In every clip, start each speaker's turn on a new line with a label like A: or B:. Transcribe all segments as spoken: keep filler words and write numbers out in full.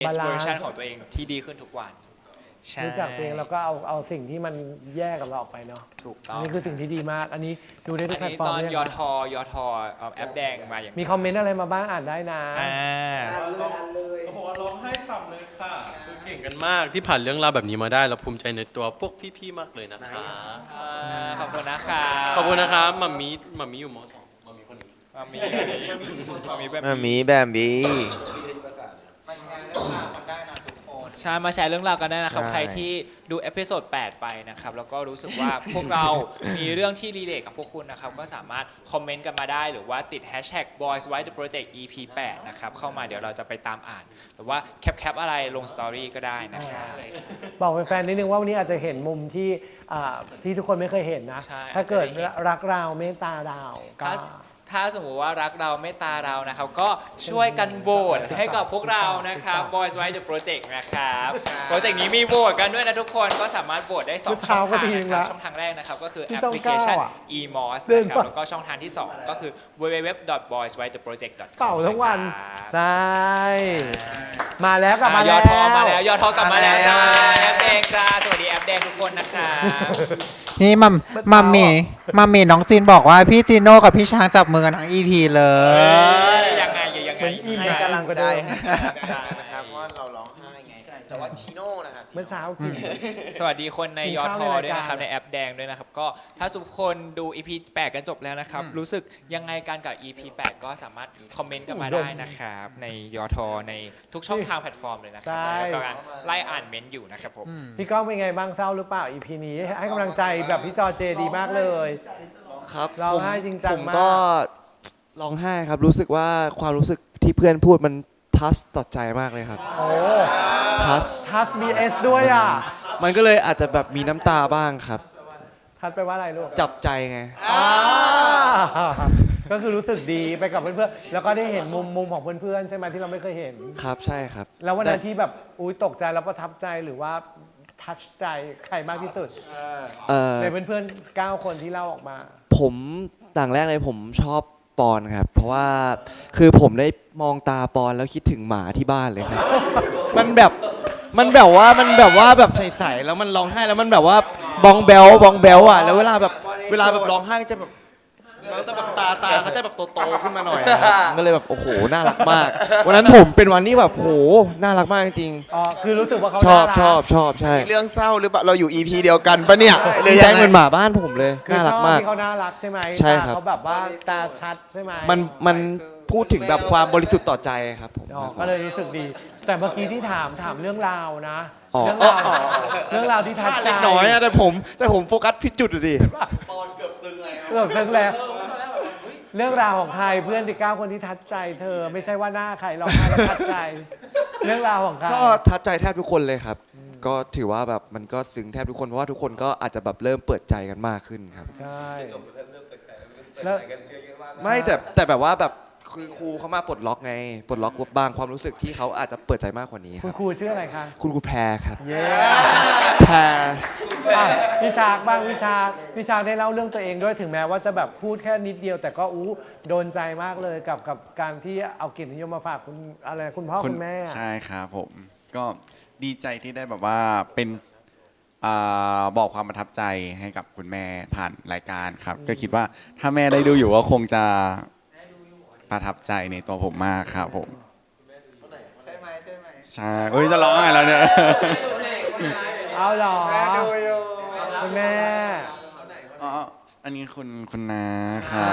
A: best
B: บาลานซ์
A: version ของตัวเองที่ดีขึ้นทุกวันใช่
B: รู้จักตัวเองแล้วก็เอาเอาสิ่งที่มันแย่กับเราออกไปเนาะ
A: ถูกต้
B: อั
A: อน ง
B: นี้คือสิ่งที่ดีมาก อันนี้ดูได้ทุ
A: อั
B: ก
A: น
B: แพลต
A: นี้
B: ฟอร์
A: ต
B: ม
A: อน
B: เลย
A: ยอ
B: นะ
A: ทอยอทอแอปแดงมาอย่าง
B: มีคอมเมนต์อะไรมาบ้างอ่านได้นะ
A: อ่า
C: เขาบอกว่าร้องไห้ฉ่ำเลยค่ะคือเก่งกันมากที่ผ่านเรื่องราวแบบนี้มาได้เราภูมิใจในตัวพวกพี่ๆมากเลยนะคะ
A: อ่าขอบคุณนะครับ
C: ขอบคุณนะครับมัมมี่มัมมี่อยู่มสองมัมมี่คนนี้
A: มามีมามีแบบ
D: มามีแบบนี้
A: ใช่มาแชร์เรื่องราวกันได้นะครับ
D: ใช่
A: ใครที่ดูเอพิโซดแปดไปนะครับแล้วก็รู้สึกว่า พวกเรามีเรื่องที่รีเลทกับพวกคุณนะครับก็สามารถคอมเมนต์กันมาได้หรือว่าติด hashtag boys white the project อี พี แปดนะครับเข้ามาเดี๋ยวเราจะไปตามอ่าน หรือว่าแคปแคปอะไรลงสตอรี่ก็ได้นะครับ
B: บอกแฟนๆนิดนึงว่าวันนี้อาจจะเห็นมุมที่อ่าที่ทุกคนไม่เคยเห็นนะ
A: ใช่
B: ถ้าเกิด
A: อาจจะได้เห็น
B: รักเราเมตตาเราก็
A: ถ้าถ้าสมมติว่ารักเราเมตตาเรานะครับ ก็ช่วยกันโหวตให้กับพวกเรานะครับ Boys White the Project นะครับโปรเจกต์นี้มีโหวตกันด้วยนะทุกคนก็สามารถโหวตได้สองช่องทางนะครับช่องทางแรกนะครับก็คือแอปพลิเคชัน อี มอส นะครับแล้วก็ช่องทางที่สองก็คือ ดับเบิลยู ดับเบิลยู ดับเบิลยู ดอท บอยส์ ไวท์ เดอะ โปรเจกต์ ดอท คอม
B: เป่าทั้งวัน
A: นะครับ
B: ใช่ มาแล้วกลับมา
A: อ่ะย
B: แล้
A: อ
B: ว
A: ดทอมาแล้วยอดทอกลับมาแล้ว
D: มา
A: จ้า
D: แล้ว
A: แอปแดงจ้าสวัสดีแอปแดงทุกคนนะครับ
E: นี่มัมมัมมี่มัมมี่น้องจีนบอกว่าพี่จีโน่กับพี่ช้างจับมือกันทั้งอีพีเลย
A: ยังไงยังไง
B: เหมือนอิ่ม
D: ให้กำลังใจ
B: อิ่ม
D: ให้กำลังใจนะครับว่าเราร้องไห้ไง แต่ว่าชีโน่นะครับ
B: เมื่อเช้ากิน
A: สวัสดีคนใน
B: กิน
A: ยอ
B: ข้าว
A: ทอ
B: ในรายการ
A: ด้วยนะครับในแอปแดงด้วยนะครับก็ถ้าทุกคนดู อี พี แปดกันจบแล้วนะครับรู้สึกยังไงกันกับ อี พี แปดก็สามารถคอมเมนต์กันมาได้นะครับในยอทอในทุกช่องทางแพลตฟอร์มเลยนะครั
B: ใช่
A: แล้วก็กำลังไล่อ่านเมนต์อยู่นะครับผม
B: พี่ก้องเป็นไงบ้างเศร้าหรือเปล่า อี พี นี้ให้กำลังใจแบบพี่จอเจดีมากเลย
F: ครับ
B: ร้อง
F: ผม
B: ไห้จริงจัง
F: ผม
B: มาก
F: ก็ร้องไห้ครับรู้สึกว่าความรู้สึกที่เพื่อนพูดมันทัชต่อใจมากเลยครับ
B: โอ้
F: ทัช
B: ทัส บี เอส ด้วยอ่ะ
F: มันก็เลยอาจจะแบบมีน้ำตาบ้างครับ
B: ทัสไปลว่าอะไรลูก
F: จับใจไง
B: อ่าก็คือรู้สึกดีไปกับเพื่อนๆ แล้วก็ได้เห็นมุมมุมของเพื่อนๆ ใช่ไหมที่เราไม่เคยเห็น
F: ครับใช่ครับ
B: แล้ววันนั้น
F: แต่
B: ที่แบบอุ้ยตกใจแล้วประทับใจหรือว่าทัชใจใครมากที่สุด
F: เอ่อ
B: ในเพื่อนๆ เก้า คนที่เล่าออกมา
F: ผมต่างแรกเลยผมชอบปอนครับ เพราะว่าคือผมได้มองตาปอนแล้วคิดถึงหมาที่บ้านเลยครับ มันแบบมันแบบว่ามันแบบว่าแบบใสๆแล้วมันร้องไห้แล้วมันแบบว่าบองเบลบองเบลอ่ะแล้วเวลาแบบเวลาแบบร้องไห้จะแบบแล้วจะแบบตาตาเขาจะแบบโตๆขึ้นมาหน่อยนะครับก็เลยแบบโอ้โหน่ารักมาก วันนั้นผมเป็นวันที่แบบโหน่ารักมากจริง
B: อ๋อ คือรู้สึกว่าเขา
F: ๆชอบ
B: น่ารัก
F: ชอบชอบใช่
D: เรื่องเศร้าหรือเปล่าเราอยู่ อี พี เดียวกันปะเนี่ยหรื
F: ดี
D: อ
F: ใจ
D: ยัง
F: เหมือน
D: ไง
F: หมาบ้านผมเลย
B: คือ
F: น่า
B: ช
F: รัก
B: อบ
F: มาก
B: ที่เขาน่ารักใช่ไหม
F: ใช่ครับ
B: ตาเขาแบบว่าตาชัดใช่ไหม
F: มันมันพูดถึงแบบความบริสุทธิ์ต่อใจครับผม
B: อ๋อก็เลยรู้สึกดี แต่เมื่อกี้ที่ถามถามเรื่องราวนะ
F: อ๋อ
B: เรื่องราวเรื่องราวที่ทัดใจ
F: เล็กน้อยอะแต่ผมแต่ผมโฟกัสผิดจุดอะดิ
B: เกือบซึ้งแล้วเรื่องราวของใครเพื่อนที่เก้าคนที่ทัดใจเธอไม่ใช่ว่าหน้าใครร้องไห้แล้วทัดใจ เรื่องราวของใคร
F: ก็ทัดใจแทบทุกคนเลยครับ ก็ถือว่าแบบมันก็ซึ้งแทบทุกคนเพราะว่าทุกคนก็อาจจะแบบเริ่มเปิดใจกันมากขึ้นครับ
B: ใช่แล้ว
F: ไม่แต่แต่แบบว่าแบบคือครูเขามาปลดล็อกไงปลดล็อกบางความรู้สึกที่เขาอาจจะเปิดใจมากกว่านี้ค
B: คุ
F: รั
B: ณ
F: บ
B: ครูชื่ออะไรคะ
F: คุณครูแพรครับ
B: เย้
F: แพร
B: อ่ะพี่ชากบ้างพี่ชากพี่ชากได้เล่าเรื่องตัวเองด้วยถึงแม้ว่าจะแบบพูดแค่นิดเดียว แต่ก็อู้โดนใจมากเลยกับกับการที่เอาเกียรตินิยมมาฝากคุณอะไรคุณพ่อคุณแม่
G: ใช่ครับผมก็ดีใจที่ได้แบบว่าเป็นอาบอกความประทับใจให้กับคุณแม่ผ่านรายการครับ ก็คิดว่าถ้าแม่ได้ดูอยู่ก็คงจะประทับใจในตัวผมมากครับผมใช่ไหมใช่ไหมใช่เอ้ยจะร้องไห้แล้วเนี่ย
B: เอาเหรอ
D: แม่ดูอยู่
B: คุณแม่
G: อ๋ออันนี้คุณคุณนาครับ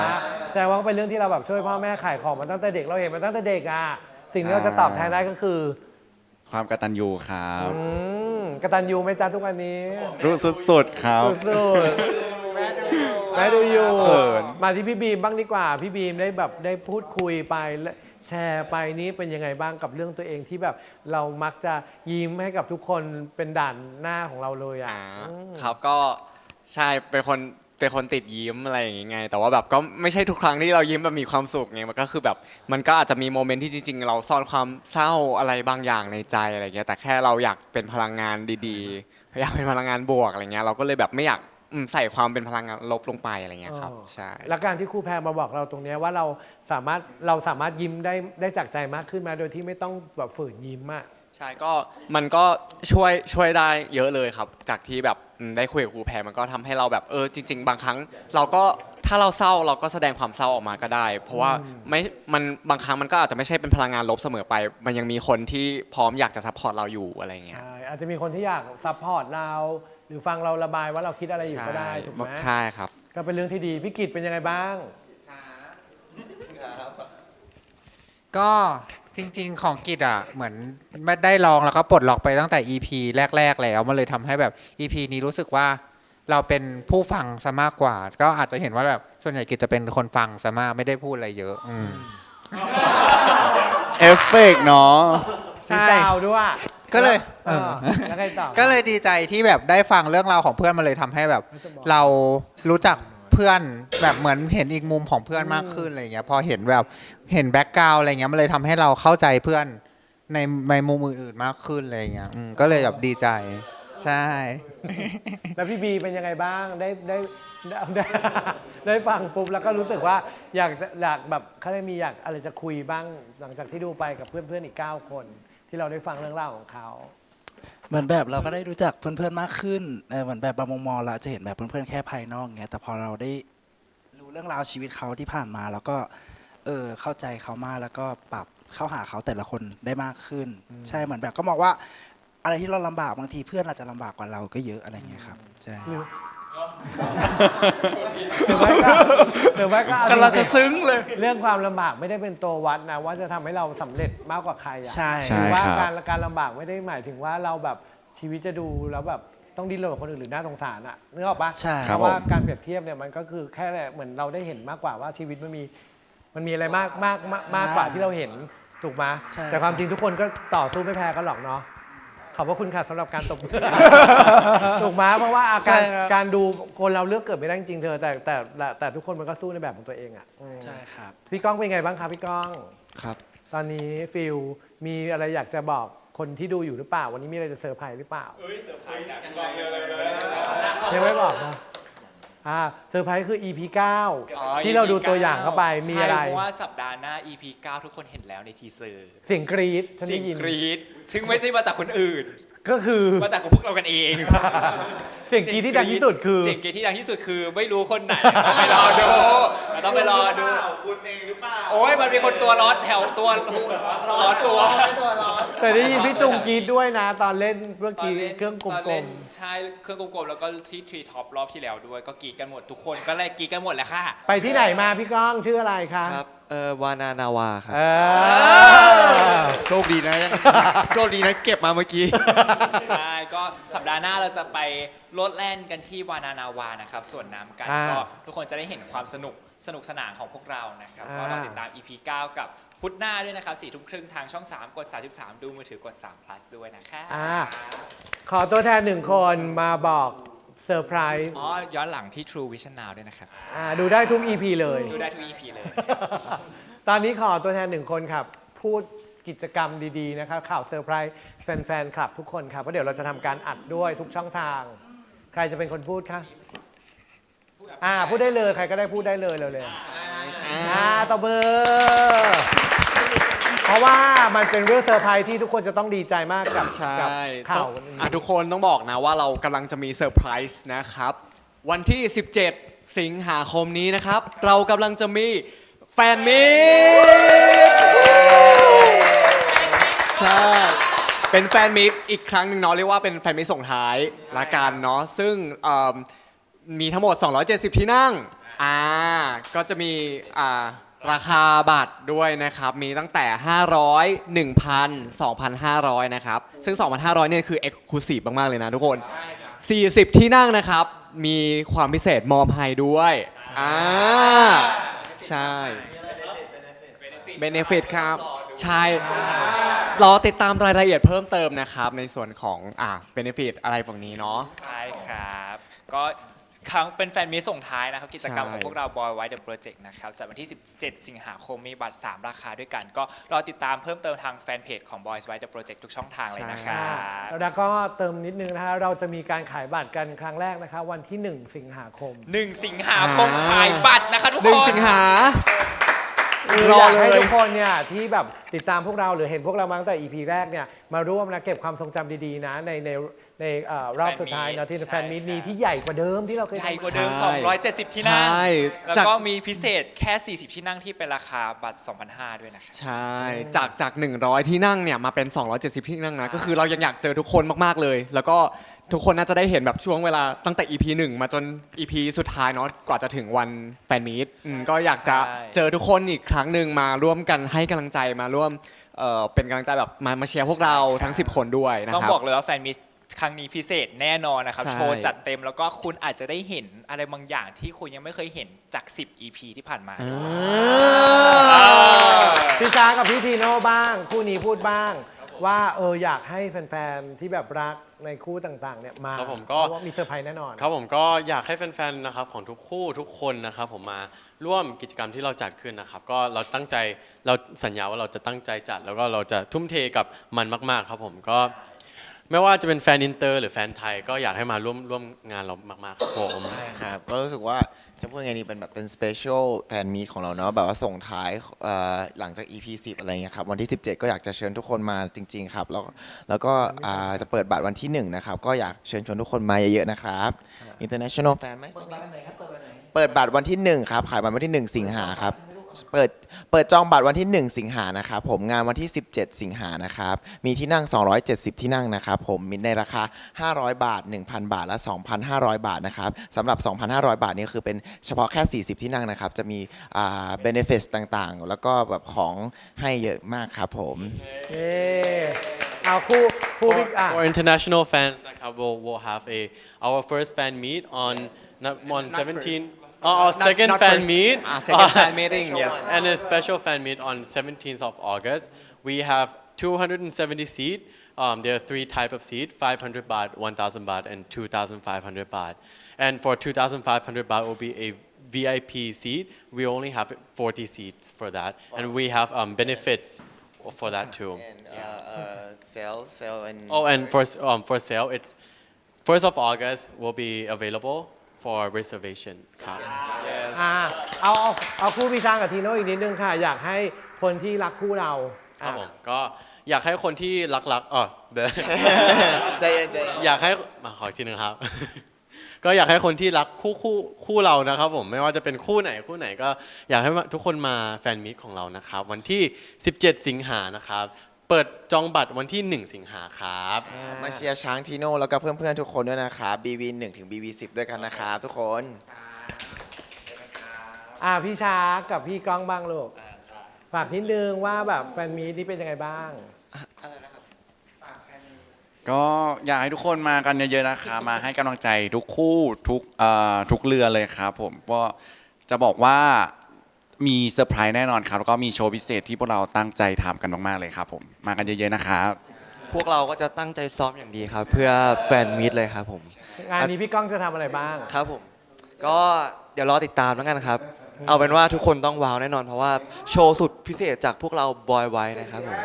B: แสดงว่าเป็นเรื่องที่เราแบบช่วยพ่อแม่ขายของมาตั้งแต่เด็กเราเห็นมาตั้งแต่เด็กอ่ะสิ่งที่เราจะตอบแทนได้ก็คือ
G: ความกตัญญูครับ
B: อืมกตัญญูไหมจ๊ะทุกวันนี้
G: รู้สุดๆครับ
B: สุดๆแม่ดูอยู่
G: เขิน
B: มาที่พี่บีมบ้างดีกว่า พี่บีมได้แบบได้พูดคุยไปและแชร์ไปนี้เป็นยังไงบ้างกับเรื่องตัวเองที่แบบเรามักจะยิ้มให้กับทุกคนเป็นด่านหน้าของเราเลยอ่ะ
H: อ่า
B: อืม
H: ครับก็ใช่เป็นคนเป็นคนติดยิ้มอะไรอย่างงี้ไงแต่ว่าแบบก็ไม่ใช่ทุกครั้งที่เรายิ้มแบบมีความสุขไงมันก็คือแบบมันก็อาจจะมีโมเมนต์ที่จริงๆ เราซ่อนความเศร้าอะไรบางอย่างในใจอะไรเงี้ยแต่แค่เราอยากเป็นพลังงานดีๆอยากเป็นพลังงานบวกอะไรเงี้ยเราก็เลยแบบไม่อยากอืมใส่ความเป็นพลังงานลบลงไปอะไรเงี้ยครับ
B: อ๋อ
H: ใช่
B: แล้วการที่ครูแพรมาบอกเราตรงเนี้ยว่าเราสามารถเราสามารถยิ้มได้ได้จากใจมากขึ้นมาโดยที่ไม่ต้องแบบฝืนยิ้มอะ
H: ใช่ก็มันก็ช่วยช่วยได้เยอะเลยครับ จากที่แบบอืมได้คุยกับครูแพรมันก็ทำให้เราแบบเออจริง ๆ บางครั้ง เราก็ถ้าเราเศร้าเราก็แสดงความเศร้าออกมาก็ได้ เพราะว่าไม่มันบางครั้งมันก็อาจจะไม่ใช่เป็นพลังงานลบเสมอไป มันยังมีคนที่พร้อมอยากจะซัพพอร์ตเราอยู่อะไรเงี้ย
B: ใช่อาจจะมีคนที่อยากซัพพอร์ตเราหรือฟังเราระบายว่าเราคิดอะไรอยู่ก็ได้ถูกไหม
H: ใช่ครับ
B: ก็เป็นเรื่องที่ดีพี่กิตเป็นยังไงบ้าง
E: ก็จริงๆของกิจอ่ะเหมือนไม่ได้ลองแล้วก็ปลดล็อกไปตั้งแต่ อี พี แรก ๆ แล้วมันเลยทำให้แบบ อี พี นี้รู้สึกว่าเราเป็นผู้ฟังซะมากกว่า ก็อาจจะเห็นว่าแบบส่วนใหญ่กิจจะเป็นคนฟังซะมากไม่ได้พูดอะไรเยอะอืม
G: เอฟเฟกต์เนาะ
E: ใช่
B: มีดาวด้วย
E: ก็เลย
B: เออแล้วไงต่อ
E: ก็เลยดีใจที่แบบได้ฟังเรื่องราวของเพื่อนมันเลยทำให้แบบ เรารู้จักเพื่อนแบบเหมือนเห็นอีกมุมของเพื่อนมากขึ้นอะไรเงี้ยพอเห็นแบบเห็นแบ็กกราวอะไรเงี้ยมันเลยทำให้เราเข้าใจเพื่อนในในมุมอื่นๆมากขึ้นอะไรเงี้ยอืมก็เลยแบบดีใจใช่
B: แล้วพี่บีเป็นยังไงบ้างได้ได้ได้ได้ได้ฟังปุ๊บแล้วก็รู้สึกว่าอยากจะอยากแบบเขาได้มีอยากอะไรจะคุยบ้างหลังจากที่ดูไปกับเพื่อนๆอีกเก้าคน ที่เราได้ฟังเรื่องราวของเขา
I: เหมือนแบบเราก็ได้รู้จักเพื่อนๆมากขึ้นเออเหมือนแบบบางมุมมองเราจะเห็นแบบเพื่อนๆแค่ภายนอกไงแต่พอเราได้รู้เรื่องราวชีวิตเขาที่ผ่านมา แล้วก็เออเข้าใจเขามากแล้วก็ปรับเข้าหาเขาแต่ละคนได้มากขึ้น ใช่เหมือนแบบก็มองว่าอะไรที่เราลำบากบางทีเพื่อนอาจจะลำบากกว่าเราก็เยอะอะไรเงี้ยครับใช่
B: หรือหรือไม่ก็หรือไม่ก็เอา
I: กำลังจะซึ้งเลย
B: เรื่องความลำบากไม่ได้เป็นตัววัดนะว่าจะทำให้เราสำเร็จมากกว่าใครอะ
I: ใช่
G: ใช่
B: หรือว่า
G: ครับ
B: การการลำบากไม่ได้หมายถึงว่าเราแบบชีวิตจะดูแล้วแบบต้องดิ้นรนกับคนอื่นหรือน่าสงสารอะนึกออกปะ
I: ใช่
B: เพราะว่าการเปรียบเทียบเนี่ยมันก็คือแค่เหมือนเราได้เห็นมากกว่าว่าชีวิตมันมีมันมีอะไรมากมากมากมากกว่าที่เราเห็นถูกไหม
I: ใช่
B: แต่ความจริงทุกคนก็ต่อสู้ไม่แพ้กันหรอกเนาะขอบพระคุณค่ะสำหรับการตบมือ ถูกไหมเพราะว่าอาการการดูคนเราเลือกเกิดไม่ได้จริงๆเธอแต่แต่แต่แต่ทุกคนมันก็สู้ในแบบของตัวเองอ่ะอืม
I: ใช่ครับ
B: พี่ก้องเป็นไงบ้างครับพี่ก้อง
F: ครับ
B: ตอนนี้ฟิลมีอะไรอยากจะบอกคนที่ดูอยู่หรือเปล่า วันนี้มีอะไรจะเซอร์ไพรส์หรือเปล่าเอ้ยเซอร์ไพรส์ยังไม่บอกนะอ่าเซอร์ไพรส์คือ อี พี เก้า
A: อ๋อ
B: ที่เราดู
A: อี พี
B: ตัวอย่างเข้าไปมีอะไร
A: ใช่เพราะว่าสัปดาห์หน้า อี พี เก้า ทุกคนเห็นแล้วในทีเซอร์
B: เสียงกรี๊ดฉัน
A: เสีย
B: ได้
A: ง
B: ยิน
A: กรี๊ดซึ่งไม่ใช่มาจากคนอื่น
B: ก็คือ
A: มาจากพวกเรากันเอง
B: เสียงกรี๊ดที่ดังที่สุดคือ
A: เสียงกรี๊ดที่ดังที่สุดคือไม่รู้คนไหนต้องไปรอดูเราต้องไปรอดู
D: คุณเองหรือเปล่า
A: โอ้ยมันมีคนตัวร้อนแถวตัวร้อนตัว
D: ตัวร้อน
B: แต่ได้ยินพี่จุงกรี๊ดด้วยนะ ตอนเล่นเมื่อ
A: ตอน
B: กี้
A: เล่น
B: เครื่องก
A: ตอน
B: ล
A: เล่
B: ม
A: นใช่เครื่องกลมๆแล้วก็ที่ทรีท็อปรอบที่แล้วด้วยก็กรีดกันหมดทุกคนก็เลยกรีดกันหมดแหละค่ะ
B: ๆไปที่ไหนมาพี่ก้องชื่ออะไรคะ
F: ครับเออวานานาวาครับ
B: เออ
F: โชคดีนะยังโชคดีนะเก็บมาเมื่อกี้
A: ใช่ก็สัปดาห์หน้าเราจะไปโลดแล่นกันที่วานานาวานะครับส่วนน้ำกัน
B: อ่า
A: ก็ทุกคนจะได้เห็นความสนุกสนุกสนานของพวกเรานะครับ
B: อ่า
A: ก็รอติดตาม อี พี เก้า กับพุธหน้าด้วยนะครับสี่ทุ่มครึ่งทางช่อง สาม กด สามสิบสาม ดูมือถือกด สาม plus ด้วยนะครับ
B: อ่าขอตัวแทนหนึ่งคนมาบอกเซอร์ไพรส์
A: อ๋อย้อนหลังที่ True Vision Now ด้วยนะครับ
B: อ่าดูได้ทุก อี พี เลย
A: ดูได้ทุก อี พี เลย
B: ตอนนี้ขอตัวแทนหนึ่งคนครับ พูดกิจกรรมดีๆนะครับข่าวเซอร์ไพรส์แฟนๆคลับทุกคนครับเพราะเดี๋ยวเราจะทำการอัดด้วยทุกช่องทาง ใครจะเป็นคนพูดคะอ่าพูดได้เลยใครก็ได้พูดได้เลยเร็วๆอ่าตบมือเพราะว่ามันเป็นเรื่องเซอร์ไพรส์ที่ทุกคนจะต้องดีใจมากกับ
H: ใช่
B: กับข่า
H: ต้
B: ว
H: อง
B: วันนี้
H: อ่ะทุกคนต้องบอกนะว่าเรากำลังจะมีเซอร์ไพรส์นะครับ วันที่ สิบเจ็ด สิงหาคมนี้นะครับ เรากำลังจะมีแฟนมีตใช่ เป็นแฟนมีตอีกครั้งหนึ่งเนาะเรียกว่าเป็นแฟนมีตส่งท้ายละกันเนาะซึ่งเอิ่มมีทั้งหมด สองร้อยเจ็ดสิบ ที่นั่งอ่าก็จะมีอ่าราคาบัตรด้วยนะครับ มีตั้งแต่ ห้าร้อย หนึ่งพัน สองพันห้าร้อย นะครับ ซึ่ง สองพันห้าร้อย เนี่ยคือ Exclusive มาก ๆ เลยนะทุกคน สี่สิบ ที่นั่งนะครับ มีความพิเศษมอมให้ด้วยอ่าใช่ Benefit ครับ ใช่ รอติดตามรายละเอียดเพิ่มเติมนะครับ ในส่วนของอ่า Benefit อะไรพวกนี้เนาะ
A: ใช่ครับ ก็ครั้งเป็นแฟนมีตส่งท้ายนะครับกิจกรรม
H: ใช่
A: ของพวกเรา Boy White The Project นะครับจัดวันที่สิบเจ็ดสิงหาคมมีบัตรสามราคาด้วยกัน ก็รอติดตามเพิ่มเติมทางแฟนเพจของ Boys White The Project ทุกช่องทางเลยนะครับ
B: แล้วก็เติมนิดนึงนะฮะเราจะมีการขายบัตรกันครั้งแรกนะคะวันที่หนึ่งสิงหาคม
A: หนึ่งสิงหาคมขายบัตรนะคะทุก
H: หนึ่
A: ค
H: ง
A: น
H: สิงหา
B: คือ
H: รอ
B: อยากให้
H: เลย
B: ทุกคนเนี่ยที่แบบติดตามพวกเราหรือเห็นพวกเรามาตั้งแต่ อี พี แรกเนี่ยมาร่วมนะเก็บความทรงจำดีๆนะในในในเอ่อรอบสุดท้ายเนาะที่
A: ใช่
B: แฟนมีต
A: ครับ
B: มีที่ใหญ่กว่าเดิมที่เราเคย
A: ใหญ่
B: ทำ
A: กว่าเดิม
H: ใช่
A: สองร้อยเจ็ดสิบ ที่นั่ง
H: ใช่
A: แล้ว
H: จาก
A: ก็มีพิเศษแค่ สี่สิบ ที่นั่งที่เป็นราคาบัตร สองพันห้าร้อย ด้วยนะครับ
H: ใช่ จากจาก หนึ่งร้อย ที่นั่งเนี่ยมาเป็น สองร้อยเจ็ดสิบ ที่นั่งนะ ก็คือเรายังอยากเจอทุกคนมากๆเลย แล้วก็ทุกคนน่าจะได้เห็นแบบช่วงเวลาตั้งแต่ อี พี หนึ่ง มาจน อี พี สุดท้ายเนาะกว่าจะถึงวันแฟนมีตอืมก็อยากจะ
A: ใช่
H: เจอทุกคนอีกครั้งหนึ่งมาร่วมกันให้กำลังใจมาร่วมเอ่อเป็นกำลังใจแบบมามาเชียร์พวกเราทั้ง สิบ คนด้วยนะ
A: ต้อง
H: ครับ
A: บอกเลยว่าแฟนมีตครั้งนี้พิเศษแน่นอนนะครับ
H: ใช่
A: โชว์จัดเต็มแล้วก็คุณอาจจะได้เห็นอะไรบางอย่างที่คุณยังไม่เคยเห็นจาก สิบ อี พี ที่ผ่านมา
H: อ่
A: อ่า
H: า
B: พี่จ้ากับพี่ทีโน่บ้าง คู่นี้พูดบ้าง ว่าเอออยากให้แฟนๆที่แบบรักในคู่ต่างๆเนี่ยมา
C: ครับผมก็
B: เพราะว่ามีเซอร์ไพรส์แน่นอน
C: ครับผมก็อยากให้แฟนๆนะครับของทุกคู่ทุกคนนะครับผมมาร่วมกิจกรรมที่เราจัดขึ้นนะครับก็เราตั้งใจเราสัญญาว่าเราจะตั้งใจจัด แล้วก็เราจะทุ่มเทกับมันมากๆครับผมก็ไม่ว่าจะเป็นแฟนอินเตอร์หรือแฟนไทยก็อยากให้มาร่วมร่วมงานเรามากๆครับผม
D: ใช่ครับ ก็รู้สึกว่าจะพูดยังไงดีเป็นแบบเป็นสเปเชียลแฟนมีตของเราเนาะแบบว่าส่งท้ายเอ่อหลังจาก อี พี สิบ อะไรเงี้ยครับวันที่ สิบเจ็ด ก็อยากจะเชิญทุกคนมาจริง ๆ ครับ แล้วแล้วก็อ่าจะเปิดบัตรวันที่ หนึ่ง นะครับ ก็อยากเชิญชวนทุกคนมาเยอะๆนะครับ International Fan ไหมสักนิดเปิดบัตรวันที่ หนึ่ง ครับ ขายบัตรวันที่ หนึ่ง สิงหาครับ เปิดเปิดจองบัตรวันที่ หนึ่ง สิงหานะครับผมงานวันที่ สิบเจ็ด สิงหานะครับมีที่นั่ง สองร้อยเจ็ดสิบ ที่นั่งนะครับผมมีในราคา ห้าร้อยบาท หนึ่งพัน บาท และ สองพันห้าร้อย บาทนะครับสำหรับ สองพันห้าร้อย บาทนี่คือเป็นเฉพาะแค่ สี่สิบ ที่นั่งนะครับจะมีอ่า benefits ต่างๆ แล้วก็แบบของให้เยอะมากครับผม
B: เออเอาคู่คู่
C: For,
B: พี่อ่ะ
C: for international fans นะครับ we'll, we'll have a our first fan meet on not, on seventeenth Oh, our
H: Not-
C: second
H: not
C: fan
H: first.
C: meet.
H: Ah, second fan meeting, yes.
C: And a special fan meet on seventeenth of August. We have two hundred seventy seat. Um, there are three type of seat: five hundred baht, one thousand baht, and two thousand five hundred baht. And for two thousand five hundred baht will be a V I P seat. We only have forty seats for that, and we have um, benefits for that too.
D: and uh, uh, sale sale and
C: Oh, and for um, for sale, it's first of August will be available for reservation. ครับ
B: อ่ะเอาเอาเอาคู่พี่ช้างกับทีโน่อีกนิดนึงค่ะ อยากให้คนที่รักคู่เรา
C: ครับ
B: อ่ะ
C: ผมก็อยากให้คนที่รักๆอ๋อ เดี๋ยว
D: ใจเย็นใจเย็น
C: อยากให้มาขออีกทีหนึงครับ ก็อยากให้คนที่รักคู่คู่คู่เรานะครับผมไม่ว่าจะเป็นคู่ไหนคู่ไหนก็อยากให้ทุกคนมาแฟนมีตของเรานะครับวันที่ สิบเจ็ด สิงหานะครับเปิดจองบัตรวันที่ หนึ่ง สิงหาครับ
D: มาเชียร์ช้างทีโน่แล้วก็เพื่อนๆทุกคนด้วยนะครับ บี วี หนึ่ง ถึง บี วี สิบ ด้วยกันนะครับทุกคน
B: อ่ะพี่ช้างกับพี่ก้องบ้างลูกฝากนิดนึงว่าแบบแฟนมีตนี่เป็นยังไงบ้าง
G: ก็อยากให้ทุกคนมากันเยอะๆนะคะมาให้กำลังใจทุกคู่ทุกเอ่อทุกเรือเลยครับผมก็จะบอกว่ามีเซอร์ไพรส์แน่นอนครับแล้วก็มีโชว์พิเศษที่พวกเราตั้งใจทำกันมากๆเลยครับผมมากันเยอะๆนะครับ
F: พวกเราก็จะตั้งใจซ้อมอย่างดีครับ เพื่อแฟนมีตเลยครับผม
B: งานนี้พี่ก้องจะทำอะไรบ้าง
F: ครับผม ก็เดี๋ยวรอติดตามแล้วกันครับ เอาเป็นว่าทุกคนต้องว้าวแน่นอน เพราะว่าโชว์สุดพิเศษจากพวกเราบอยไว้นะครับผม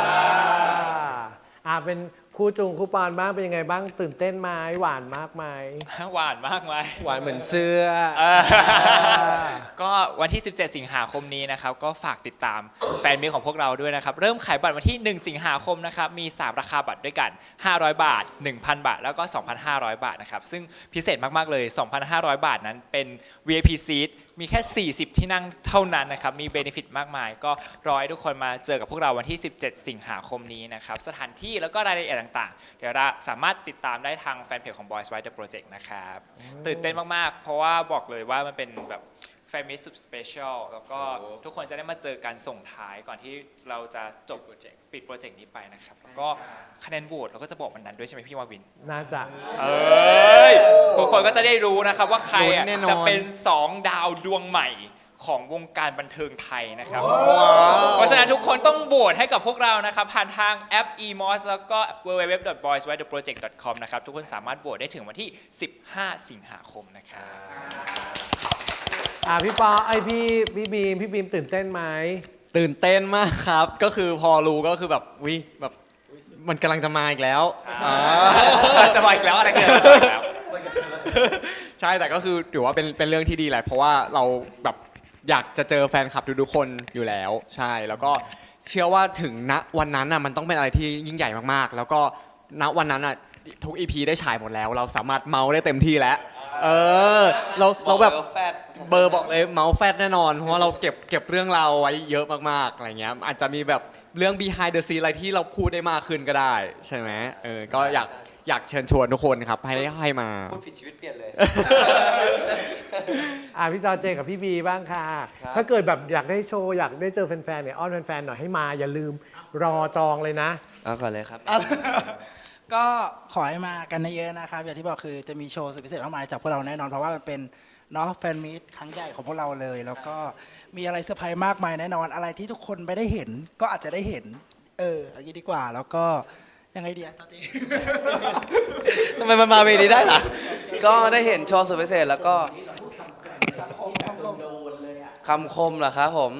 B: อ่าเป็นคู่จุงคู่ปอนบ้างเป็นยังไงบ้างตื่นเต้นไหมหวานมากไหม
A: หวานมากไหม
H: หวานเหมือนเสื้อ
A: เออก็วันที่ สิบเจ็ด สิงหาคมนี้นะครับก็ฝากติดตามแฟนมีตของพวกเราด้วยนะครับเริ่มขายบัตรวันที่ หนึ่ง สิงหาคมนะครับมี สาม ราคาบัตรด้วยกัน ห้าร้อย บาท หนึ่งพัน บาท แล้วก็ สองพันห้าร้อย บาทนะครับซึ่งพิเศษมากๆเลย สองพันห้าร้อย บาทนั้นเป็น วี ไอ พี seat มีแค่ สี่สิบ ที่นั่งเท่านั้นนะครับมีเบนฟิตมากมาย ก็รอให้ทุกคนมาเจอกับพวกเราวันที่ สิบเจ็ด สิงหาคมนี้นะครับสถานที่แล้วก็รายละเอียดต่างๆเดี๋ยวเราสามารถติดตามได้ทางแฟนเพจของ Boys White The Project นะครับตื่นเต้นมากๆ เพราะว่าบอกเลยว่ามันเป็นแบบแฟนมิตสุดสเปเชียลแล้วก็ทุกคนจะได้มาเจอกันส่งท้ายก่อนที่เราจะจบโปรเจกต์ปิดโปรเจกต์นี้ไปนะครับแล้วก็คะแนนโหวตเราก็จะบอกวันนั้นด้วยใช่ไหมพี่วาวิน
B: น่าจะ
A: เอ้ยทุกคนก็จะได้รู้นะครับว่าใครอ่ะ
H: ลุ้นแน่นอน
A: จะเป็นสองดาวดวงใหม่ของวงการบันเทิงไทยนะครับ เพราะฉะนั้นทุกคนต้องโหวตให้กับพวกเรานะครับผ่านทางแอป อี มอส แล้วก็ ดับเบิลยู ดับเบิลยู ดับเบิลยู ดอท บอยส์ ไวท์ เดอะ โปรเจกต์ ดอท คอม นะครับทุกคนสามารถโหวตได้ถึงวันที่ สิบห้า สิงหาคมนะครับ
B: อ่าพี่ปอไอพี่พี่บีมพี่บีมตื่นเต้นไหม
H: ตื่นเต้นมากครับ ก็คือพอรู้ก็คือแบบวิแบบมันกำลังจะมาอีกแล้วอ่าจะมาอีกแล้วอะไรกันแล้วใช่แต่ก็คือถือว่าเป็นเป็นเรื่องที่ดีแหละเพราะว่าเราแบบอยากจะเจอแฟนคลับทุกๆคนอยู่แล้ว ใช่แล้วก็เชื่อว่าถึงณวันนั้นน่ะมันต้องเป็นอะไรที่ยิ่งใหญ่มากๆ แล้วก็ณวันนั้นน่ะทุก อี พี ได้ฉายหมดแล้ว เราสามารถเมาได้เต็มที่แล้วเออเราเราแบบเบอร์บอกเลยเมาส์แฟดแน่นอนเพราะว่าเราเก็บเก็บเรื่องราวไว้เยอะมากๆอะไรเงี้ยอาจจะมีแบบเรื่อง behind the scene อะไรที่เราพูดได้มากขึ้นก็ได้ใช่ไหมเออก็อยากอยากเชิญชวนทุกคนครับให้ให้มา
F: พูดผิดชีวิตเปลี่ยนเลย
B: อ่าพี่จอเจกับพี่บีบ้างค่ะ
F: ครับ
B: ถ้าเกิดแบบอยากได้โชว์อยากได้เจอแฟนๆเนี่ยอ้อนแฟนๆหน่อยให้มาอย่าลืมรอจองเลยนะ
F: เอาก่อนเลยครับ
I: ก็ขอให้มากันเยอะๆนะครับ อย่างที่บอกคือจะมีโชว์สุดพิเศษมากมายจากพวกเราแน่นอนเพราะว่ามันเป็นเนาะแฟนมีตครั้งใหญ่ของพวกเราเลย แล้วก็มีอะไรเซอร์ไพรส์มากมายแน่นอนอะไรที่ทุกคนไม่ได้เห็นก็อาจจะได้เห็น เอออย่างนี้ดีกว่าแล้วก็ยังไงดีอะจอจี
F: ทำไมมันมาเวนี้ได้ล่ะ ก็ได้เห็นโชว์สุดพิเศษแล้วก็คำคมเหรอครับผม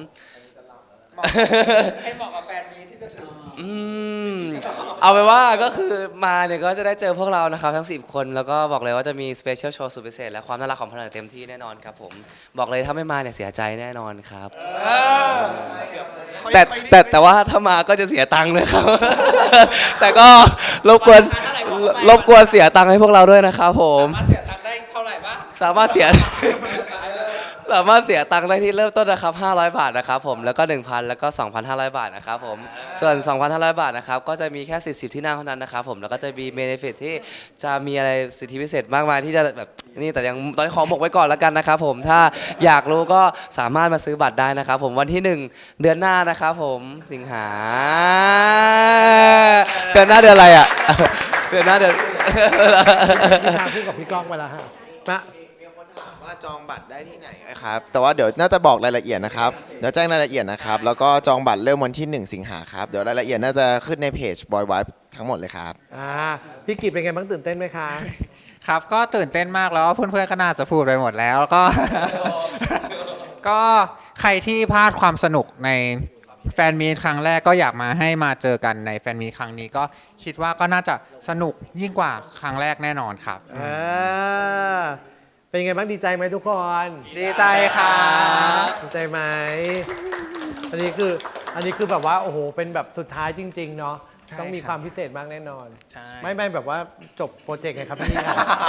E: ให้เหมาะกับแฟนมีที่จะถึง
F: อืมเอาไปนว่าก็คือมาเนี่ยก็จะได้เจอพวกเรานะครับทั้งสิบคนแล้วก็บอกเลยว่าจะมีสเปเชียลโชว์สุดพิเศษและความน่ารักของพวกเราเต็มที่แน่นอนครับผมบอกเลยถ้าไม่มาเนี่ยเสียใจแน่นอนครับแต่แต่แต่ว่าถ้ามาก็จะเสียตังค์เลยครับ แต่ก็รบกวนรบกวนเสียตังค์ให้พวกเราด้วยนะครับผมสามารถเสียตังค์ได้เท่าไหร่บ้างสามารถเสีย สามารถเสียตังค์ได้ที่เริ่มต้นนะครับห้าร้อยบาทนะครับผมแล้วก็ หนึ่งพัน แล้วก็ สองพันห้าร้อย บาทนะครับผมส่วน สองพันห้าร้อย บาทนะครับก็จะมีแค่สี่สิบที่นั่งเท่านั้นนะครับผมแล้วก็จะมีเบเนฟิตที่จะมีอะไรสิทธิพิเศษมากมายที่จะแบบนี่แต่ยังตอนนี้ขอบอกไว้ก่อนแล้วกันนะครับผมถ้าอยากรู้ก็สามารถมาซื้อบัตรได้นะครับผมวันที่หนึ่งเดือนหน้านะครับผมสิงหาเดือนหน้าเดือนอะไรอ่ะ เดือนหน้าเดือน
B: พี่ชาพูดกับพี่ก้องไปแล้วฮะมา
D: มีคนถามว่าจองบัตรได้ที่ไหนครับ แต่ว่าเดี๋ยวน่าจะบอกรายละเอียดนะครับ เดี๋ยวแจ้งรายละเอียดนะครับ แล้วก็จองบัตรเริ่มวันที่ หนึ่ง สิงหาครับ เดี๋ยวรายละเอียดน่าจะขึ้นในเพจ Boy Vibe ทั้งหมดเลยครับ
B: อ่าพี่กิจเป็นไงบ้างตื่นเต้นไหมคะ
E: ครับก็ตื่นเต้นมากแล้วเพื่อนๆก็น่าจะพูดไปหมดแล้วก็ ก็ใครที่พลาดความสนุกในแฟนมีตครั้งแรกก็อยากมาให้มาเจอกันในแฟนมีตครั้งนี้ก็คิดว่าก็น่าจะสนุกยิ่งกว่าครั้งแรกแน่นอนครับ
B: เออเป็นไงบ้างดีใจไหมทุกคน
E: ดีใจครับ
B: ดีใจไหมอันนี้คืออันนี้คือแบบว่าโอ้โหเป็นแบบสุดท้ายจริง ๆ เนาะ
E: ใช่
B: ต้องมี
E: ครับ
B: ความพิเศษมากแน่นอน
I: ใช่
B: ไม่ไม่แบบว่าจบโปรเจกต์ไงครับพี่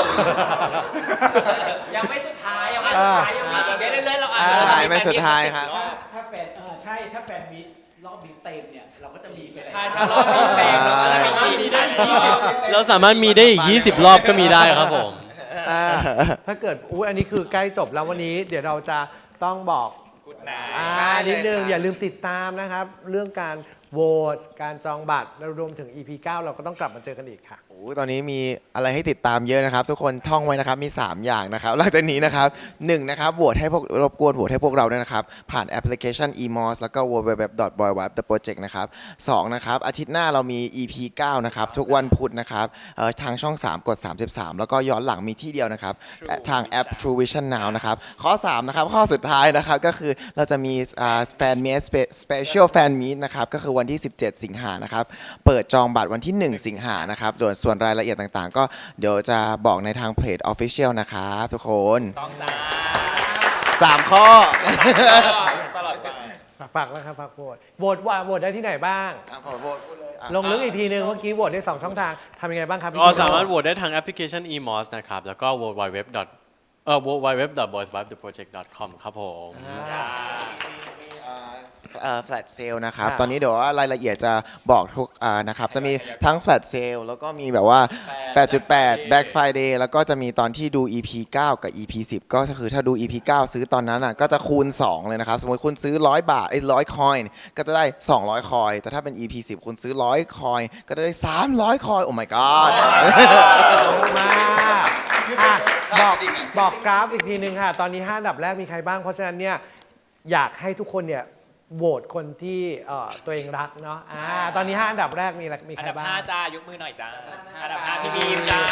A: ยังไม่สุดท้ายยังไม่สุดท้ายยังมีอีกเรื่อยๆเราอาจจะ
D: สุดท้ายไม่สุดท้ายครับ
J: ถ้าแฟนเออใช่ถ้าแฟนมิตรรอบนี้เต็มเนี่ย เราก็จะมีไป
A: ใช่ถ้ารอบนี้เต็มเราก็จะมีอีกได้
C: เราสามารถมีได้อีก ยี่สิบ รอบก็มีได้ครับผม
B: อ่าถ้าเกิดอุ้ยอันนี้คือใกล้จบแล้ววันนี้ เดี๋ยวเราจะต้องบอก
A: กุดนาย
B: อ่า
E: ได้เลย
B: นิดนึง
E: ครับ
B: อย่าลืมติดตามนะครับ เรื่องการโหวตการจองบัตรแล้วรวมถึง อี พี เก้า เราก็ต้องกลับมาเจอกันอีกค่ะ
D: โอ้ตอนนี้มีอะไรให้ติดตามเยอะนะครับ ทุกคนท่องไว้นะครับมี สาม อย่างนะครับหลังจากนี้นะครับหนึ่งนะครับโหวตให้พวกรบกวนโหวตให้พวกเราด้วยนะครับ ผ่านแอปพลิเคชัน อี มอส แล้วก็ ดับเบิลยู ดับเบิลยู ดับเบิลยู ดอท บอย ไวบ์ เดอะ โปรเจกต์ นะครับสองนะครับอาทิตย์หน้าเรามี อี พี เก้า นะครับทุกวันพุธนะครับเอ่อทางช่อง สาม กด สามสิบสาม แล้วก็ย้อนหลังมีที่เดียวนะครับทางแอป True Vision Now นะครับข้อสามนะครับข้อสุดท้ายนะครับก็คือเราจะมีแฟนมีสเปเชียลแฟนมีนะครับก็คือวันที่ สิบเจ็ด สิงหานะครับเปิดจองบัตรวันที่ หนึ่ง สิงหานะครับโดยส่วนรายละเอียดต่างๆ ก็เดี๋ยวจะบอกในทางเพจ Official นะครับทุกคน
A: ต้องจ้า
D: สามข้อ
A: ตลอดไป
B: ฝากแล้วครับฝากโหวตโหวตว่าโหวตได้ที่ไหนบ้าง
D: อ่ะขอโหวตพูดเลยอ่ะ
B: ลงลึกอีกทีนึงเมื่อกี้โหวตได้สองช่องทางทำยังไงบ้างครับพี่
C: ก็สามารถโหวตได้ทางแอปพลิเคชัน อี มอส นะครับ แล้วก็ ดับเบิลยู ดับเบิลยู ดับเบิลยู ดอท เอ่อ ดับเบิลยู ดับเบิลยู ดับเบิลยู ดอท บอยส์ ไวบ์ เดอะ โปรเจกต์ ดอท คอม ครับผม
B: อ่า
D: เอ่อ flat sale นะครับ
B: ครับ
D: ตอนนี้เดี๋ยวว่ารายละเอียดจะบอกทุกอ่านะครับ จะมีทั้ง flat sale แล้วก็มีแบบว่า แปดจุดแปด Black Friday แล้วก็จะมีตอนที่ดู อี พี เก้า กับ อี พี สิบ ก็คือถ้าดู อี พี เก้า ซื้อตอนนั้นอ่ะก็จะคูณ สอง เลยนะครับ สมมติคุณซื้อ ร้อย บาทไอ้ร้อยคอยน์ก็จะได้ สองร้อย คอยน์แต่ถ้าเป็น อี พี สิบ คุณซื้อ ร้อย คอยน์ก็จะได้ สามร้อย คอยน์โอ้ my god
B: มากอ่ะบอกบอกกราฟอีกทีนึงค่ะ ตอนนี้ห้าอันดับแรกมีใครบ้าง เพราะฉะนั้นเนี่ยอยากให้ทุกคนเนี่ยโหวตคนที่เอ่อตัวเองรักเนาะอ่าตอนนี้ห้าอันดับแรกมีอะไรมี
A: อั
B: ใคร
A: นดับ
B: บ้าง
A: ห้าจ้ายกมือหน่อยจ้าอันดับห้าพี่บีมจ้า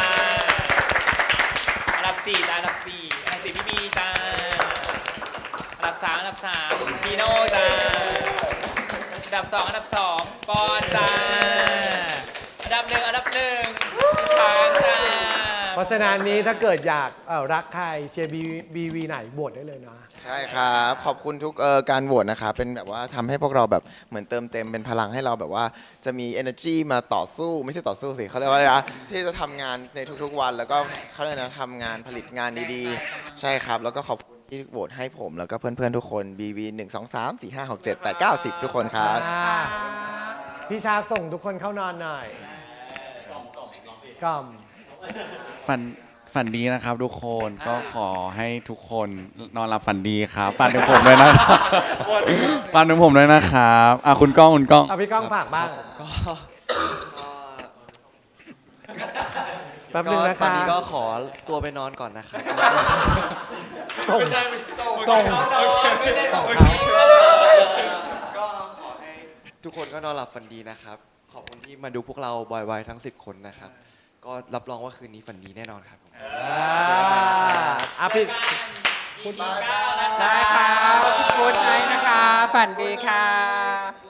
A: อันดับสี่จ้าอันดับสี่อันดับสี่พี่บีจ้าอันดับสามอันดับสามพีโน่จ้าอันดับสองอันดับสองปอนจ้าอันดับหนึ่งอันดับหนึ่งพี่ช้างจ้า
B: เพราะฉะนั้นนี้ถ้าเกิดอยากเอ่อรักใครเชียร์บีบีวีไหนโหวตได้เลยนะ
D: ใช่ครับ ขอบคุณทุกเอ่อการโหวตนะครับเป็นแบบว่าทำให้พวกเราแบบเหมือนเติมเต็มเป็นพลังให้เราแบบว่าจะมี energy มาต่อสู้ไม่ใช่ต่อสู้สิเขาเรียกว่าอะไรนะที่จะทำงานในทุกๆวัน แล้วก็เขาเรียกนะทำงานผลิตงานดีๆ ใช่ครับ แล้วก็ขอบคุณที่โหวตให้ผมแล้วก็เพื่อนๆทุกคน บี วี หนึ่ง สอง สาม สี่ ห้า หก เจ็ด แปด เก้า สิบทุกคนครับ
B: อ่าพี่ชาส่งทุกคนเข้านอนหน่อยกล่อม
G: ฝันฝันดีนะครับทุกคนก็ขอให้ทุกคนนอนหลับฝันดีครับฝันถึงผมด้วยนะครับฝันถึงผมด้วยนะครับอ่ะคุณก้องคุณก้อง
B: เอาพี่ก้องฝากบ้าง
F: ก็
B: แป๊บ
F: ก็
B: นึงนะ
F: ตอน
B: คะ
F: นี้ก็ขอตัวไปนอนก่อนนะครับ
B: ส่ง
A: ไม่ใช่ไม่ใช่ส่ง
B: ส่ง
A: เขานอนไม่ใช่ส่งเขา
F: ก็ขอให้ทุกคนก็นอนหลับฝันดีนะครับ ขอบคุณที่มาดูพวกเราบอยไวทั้งสิบคนนะครับ ก็รับรองว่าคืนนี้ฝันดีแน่นอนครับผม
B: อ่ะพี่
E: ได้ค่ะขอบคุณไนท์นะคะ ฝันดีค่ะ